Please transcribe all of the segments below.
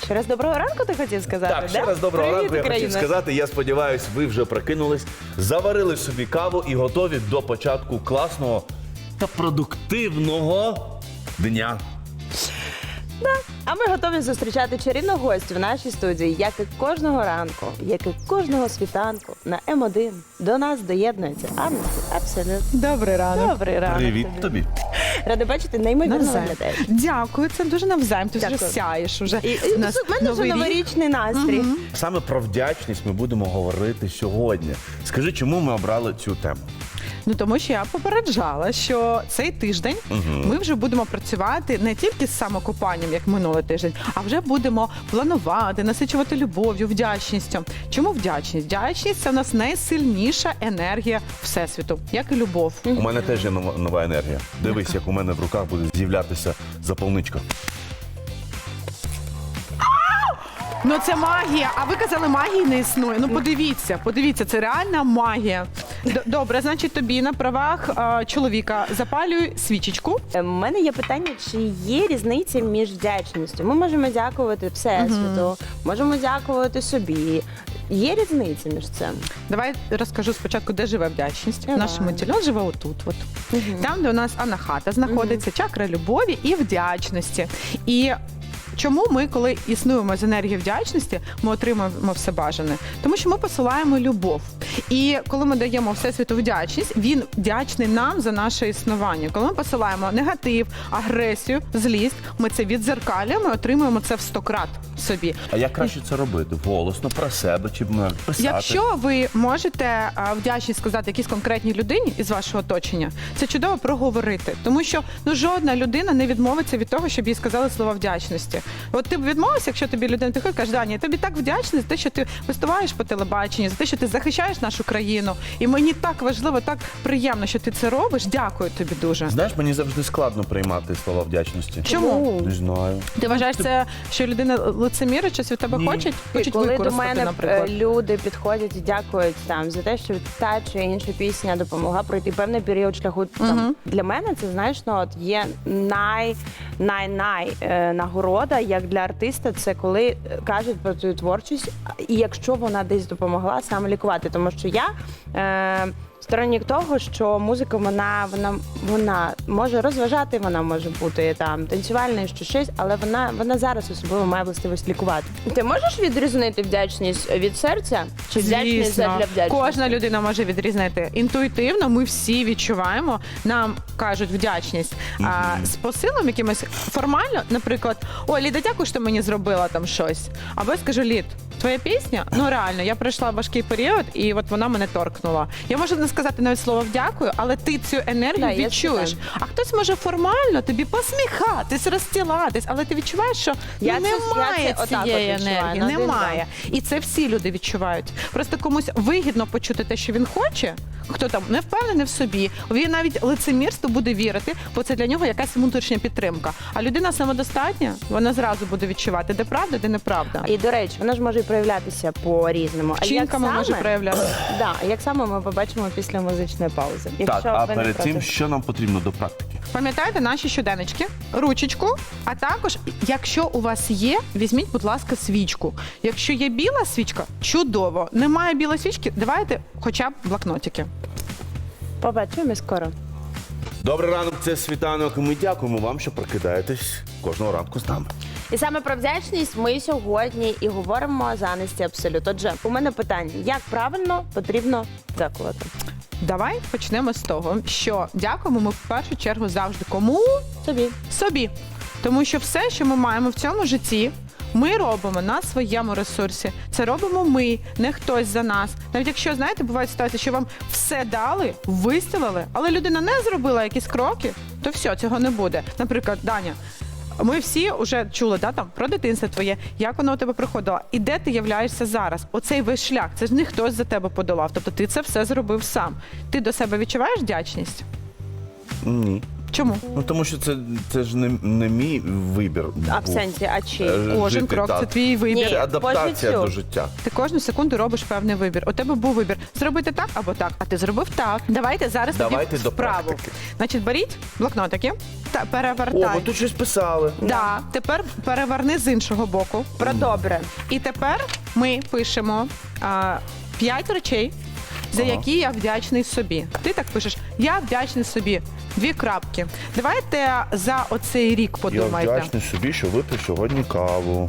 Ще раз доброго ранку ти хотів сказати, Так, ще раз доброго Привіт, ранку. Я хотів Україна. сказати, я сподіваюся, ви вже прокинулись, заварили собі каву і готові до початку класного та продуктивного дня. А ми готові зустрічати чарівну гостю в нашій студії, як і кожного ранку, як і кожного світанку на М1. До нас доєднується Анна. Абсолютно. Добрий ранок. Добрий ранок. Привіт тобі. Рада бачити, неймовірно Навзаєм. виглядаєш. Дякую, це дуже навзаєм. Ти вже Дякую. сяєш уже. І У нас в мене вже новий рік. новорічний настрій. Саме про вдячність ми будемо говорити сьогодні. Скажи, чому ми обрали цю тему? Ну тому що я попереджала, що цей тиждень ми вже будемо працювати не тільки з самокопанням, як минулий тиждень, а вже будемо планувати, насичувати любов'ю, вдячністю. Чому вдячність? Вдячність – це у нас найсильніша енергія Всесвіту, як і любов. У мене теж є нова енергія. Дивись, як у мене в руках буде з'являтися запалничка. Ну це магія. А ви казали, магії не існує. Ну подивіться, це реальна магія. Добре, значить тобі на правах чоловіка запалюй свічечку. У мене є питання, чи є різниця між вдячністю? Ми можемо дякувати Всесвіту, можемо дякувати собі. Є різниця між цим? Давай розкажу спочатку, де живе вдячність. Давай. В нашому тілі живе отут. От. Там, де у нас анахата знаходиться, чакра любові і вдячності. І чому ми, коли існуємо з енергії вдячності, ми отримуємо все бажане? Тому що ми посилаємо любов. І коли ми даємо Всесвіту вдячність, він вдячний нам за наше існування. Коли ми посилаємо негатив, агресію, злість, ми це віддзеркалюємо і отримуємо це в 100 крат собі. А як краще це робити? Голосно, про себе чи писати? Якщо ви можете вдячність сказати якійсь конкретній людині із вашого оточення, це чудово проговорити. Тому що жодна людина не відмовиться від того, щоб їй сказали слова вдячності. От ти б відмовився, якщо тобі людина приходить, каже, Даня, я тобі так вдячний за те, що ти виступаєш по телебаченню, за те, що ти захищаєш нашу країну. І мені так важливо, так приємно, що ти це робиш. Дякую тобі дуже. Знаєш, мені завжди складно приймати слова вдячності. Чому? Не знаю. Ти вважаєш це, що людина лицемірить, щось від тебе Ні. хочуть Коли до використати, мене наприклад? люди підходять і дякують там за те, що та чи інша пісня допомогла пройти певний період шляху. Там, для мене це, знаєш, ну, от є нагорода, як для артиста, це коли кажуть про твою творчість, і якщо вона десь допомогла саме лікувати. Тому що я сторонник того, що музика, вона може розважати, вона може бути там танцювальною, що щось, але вона зараз особливо має властивість лікувати. Ти можеш відрізнити вдячність від серця? Чи вдячність Звісно. для вдячності? Кожна людина може відрізнити. Інтуїтивно ми всі відчуваємо, нам кажуть вдячність. А з посилом якимось формально, наприклад, ой, Ліда, дякую, що мені зробила там щось. Або я скажу, Лід, твоя пісня, ну реально, я пройшла важкий період, і от вона мене торкнула. Я можу не сказати навіть слово «дякую», але ти цю енергію Да, відчуєш. А хтось може формально тобі посміхатись, розстілатись, але ти відчуваєш, що Я це немає отак цієї от відчуваю, енергії, на один немає. І це всі люди відчувають. Просто комусь вигідно почути те, що він хоче, хто там не впевнений в собі, він навіть лицемірству буде вірити, бо це для нього якась внутрішня підтримка. А людина самодостатня, вона зразу буде відчувати, де правда, де неправда. І, до речі, вона ж може і проявлятися по-різному. Вчинками може проявлятися. Да, як саме ми побачимо після музичної паузи. Так, а ви не перед проти. цим, що нам потрібно до практики? Пам'ятайте наші щоденнички, ручечку, а також, якщо у вас є, візьміть, будь ласка, свічку. Якщо є біла свічка, чудово. Немає білої свічки, давайте хоча б блокнотики. Побачимо скоро. Добрий ранок, це Світанок. І ми дякуємо вам, що прокидаєтесь кожного ранку з нами. І саме про вдячність ми сьогодні і говоримо з Анесті Абсолют. Отже, у мене питання, як правильно потрібно дякувати? Давай почнемо з того, що дякуємо ми в першу чергу завжди кому? Собі. Собі. Тому що все, що ми маємо в цьому житті, ми робимо на своєму ресурсі. Це робимо ми, не хтось за нас. Навіть якщо, знаєте, бувають ситуації, що вам все дали, вистілили, але людина не зробила якісь кроки, то все, цього не буде. Наприклад, Даня, ми всі вже чули, да, там, про дитинство твоє, як воно у тебе приходило, і де ти являєшся зараз. Оцей весь шлях, це ж не хтось за тебе подолав, тобто ти це все зробив сам. Ти до себе відчуваєш вдячність? Ні. Чому? Ну тому що це ж не мій вибір. А в був. сенсі, а чи? Кожен Жити крок так. це твій вибір. Це адаптація по до життю. життя. Ти кожну секунду робиш певний вибір. У тебе був вибір зробити так або так, а ти зробив так. Давайте зараз Давайте тоді до вправу. практики. Значить, беріть блокнотики та О, перевертай. ви тут щось писали. Да. Тепер переверни з іншого боку. Про добре. І тепер ми пишемо 5 речей, за Ага. які я вдячний собі. Ти так пишеш: я вдячний собі. 2 крапки. Давайте за оцей рік Я подумайте. вдячний собі, що випив сьогодні каву.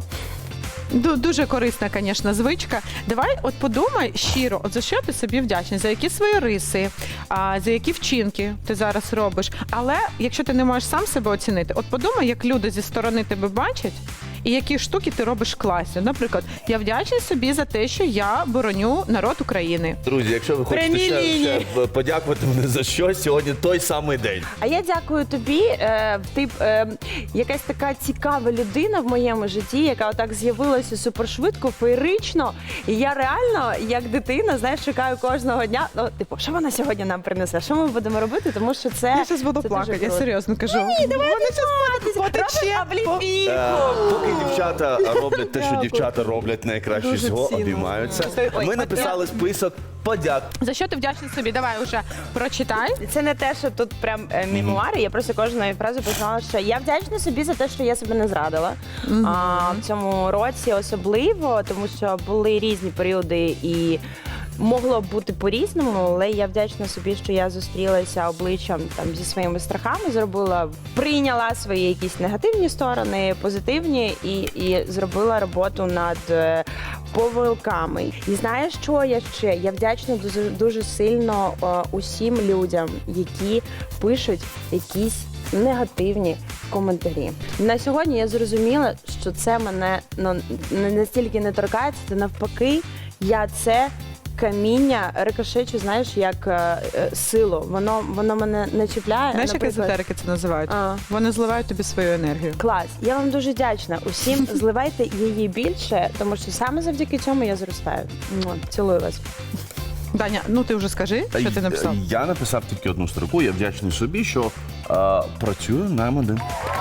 Дуже корисна, звісно, звичка. Давай от подумай щиро, от за що ти собі вдячний, за які свої риси, за які вчинки ти зараз робиш. Але якщо ти не можеш сам себе оцінити, от подумай, як люди зі сторони тебе бачать, і які штуки ти робиш класно. Наприклад, я вдячний собі за те, що я бороню народ України. Друзі, якщо ви хочете Прямі ще лінії. подякувати мене за щось, сьогодні той самий день. А я дякую тобі. Ти якась така цікава людина в моєму житті, яка отак з'явилася супершвидко, феєрично. І я реально, як дитина, знаєш, чекаю кожного дня. Ну, типу, що вона сьогодні нам принесе? Що ми будемо робити? Тому що це Я зараз буду це плакати, дуже я круто. серйозно кажу. Ні, давай Вони щас потече. Поки дівчата роблять те, що Дякую. дівчата роблять найкраще Дуже всього, цінно. обіймаються. Ой, Ми написали список подяк. За що ти вдячний собі? Давай уже прочитай. Це не те, що тут прям мемуари. Я просто кожної фрази писала, що я вдячна собі за те, що я себе не зрадила. В цьому році особливо, тому що були різні періоди і могло б бути по-різному, але я вдячна собі, що я зустрілася обличчям там зі своїми страхами, прийняла свої якісь негативні сторони, позитивні і зробила роботу над помилками. І знаєш, що я ще? Я вдячна дуже сильно усім людям, які пишуть якісь негативні коментарі. На сьогодні я зрозуміла, що це мене не настільки не торкається, це навпаки, я це каміння рикошечу, знаєш, як силу. Воно мене не чіпляє. Знаєш, як Наприклад, езотерики це називають? А. Вони зливають тобі свою енергію. Клас. Я вам дуже вдячна. Усім зливайте її більше, тому що саме завдяки цьому я зростаю. Цілую вас. Даня, ну ти вже скажи, що ти написав. Я написав тільки одну строку. Я вдячний собі, що працюю на М1.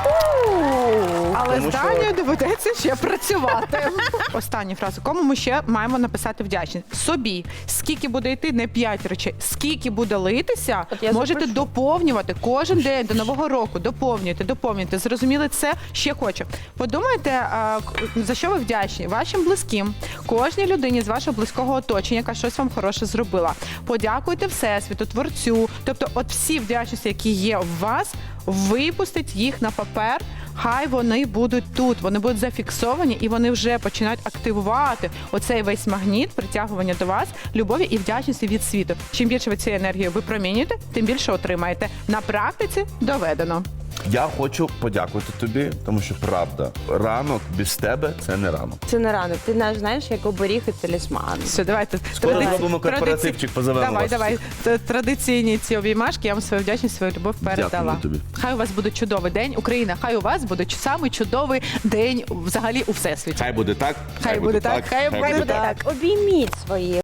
Але Тому з що- Данією доведеться ще працювати. Остання фраза. Кому ми ще маємо написати вдячність? Собі. Скільки буде йти, не 5 речей. Скільки буде литися, От я можете запишу. доповнювати кожен день до Нового року. Доповнюйте. Зрозуміли це? Ще хочу. Подумайте, за що ви вдячні? Вашим близьким, кожній людині з вашого близького оточення, яка щось вам хороше зробила. Подякуйте Всесвіту, Творцю. Тобто, от всі вдячності, які є в вас, випустіть їх на папер. Хай вони будуть тут, вони будуть зафіксовані і вони вже починають активувати оцей весь магніт притягування до вас, любові і вдячності від світу. Чим більше ви цієї енергії випромінюєте, тим більше отримаєте. На практиці доведено. Я хочу подякувати тобі, тому що правда, ранок без тебе це не ранок. Це не рано. Ти знаєш, як оберіг і талісман. Все, давайте. Скоро зробимо корпоративчик, позовемо вас. Давай. Традиційні ці обіймашки, я вам свою вдячність, свою любов передала. Дякую тобі. Хай у вас буде чудовий день, Україна. Хай у вас буде самий чудовий день взагалі у всесвіті. Хай буде так. Хай буде так, хай буде Так, обійміть свої